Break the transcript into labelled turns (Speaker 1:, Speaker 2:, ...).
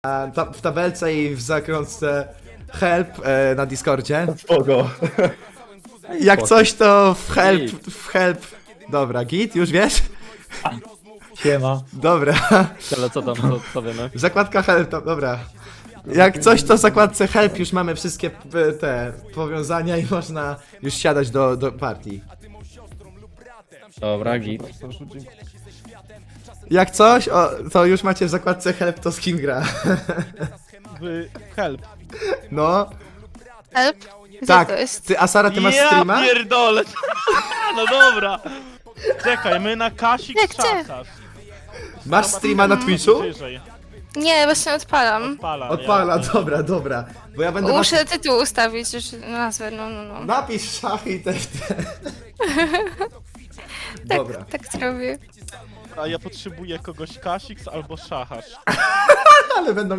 Speaker 1: w tabelce i w zakrątce help na Discordzie.
Speaker 2: Spoko.
Speaker 1: Jak coś to w help. Dobra, git, już wiesz?
Speaker 2: Siema.
Speaker 1: Dobra.
Speaker 3: Ale co tam, co wiemy?
Speaker 1: Zakładka help, dobra. Jak coś to w zakładce help już mamy wszystkie te powiązania i można już siadać do partii.
Speaker 2: Dobra, git.
Speaker 1: Jak coś, to już macie w zakładce help to skin gra.
Speaker 4: Help.
Speaker 1: No,
Speaker 5: Help? Gdzie
Speaker 1: tak.
Speaker 5: to jest?
Speaker 1: Ty, Asara, ty masz
Speaker 4: Ja
Speaker 1: streama?
Speaker 4: pierdolę! No dobra! Czekaj, my na Kasik
Speaker 5: Jak gdzie?
Speaker 4: czakasz.
Speaker 1: Masz streama na Twitchu?
Speaker 4: Wyżej.
Speaker 5: Nie, właśnie odpalam.
Speaker 1: Odpala, dobra. Bo ja będę
Speaker 5: Muszę tytuł ustawić, już nazwę, no.
Speaker 1: Napisz szachy i te. Dobra.
Speaker 5: Tak zrobię.
Speaker 4: A ja potrzebuję kogoś Kasik albo Szachasz.
Speaker 1: Ale będą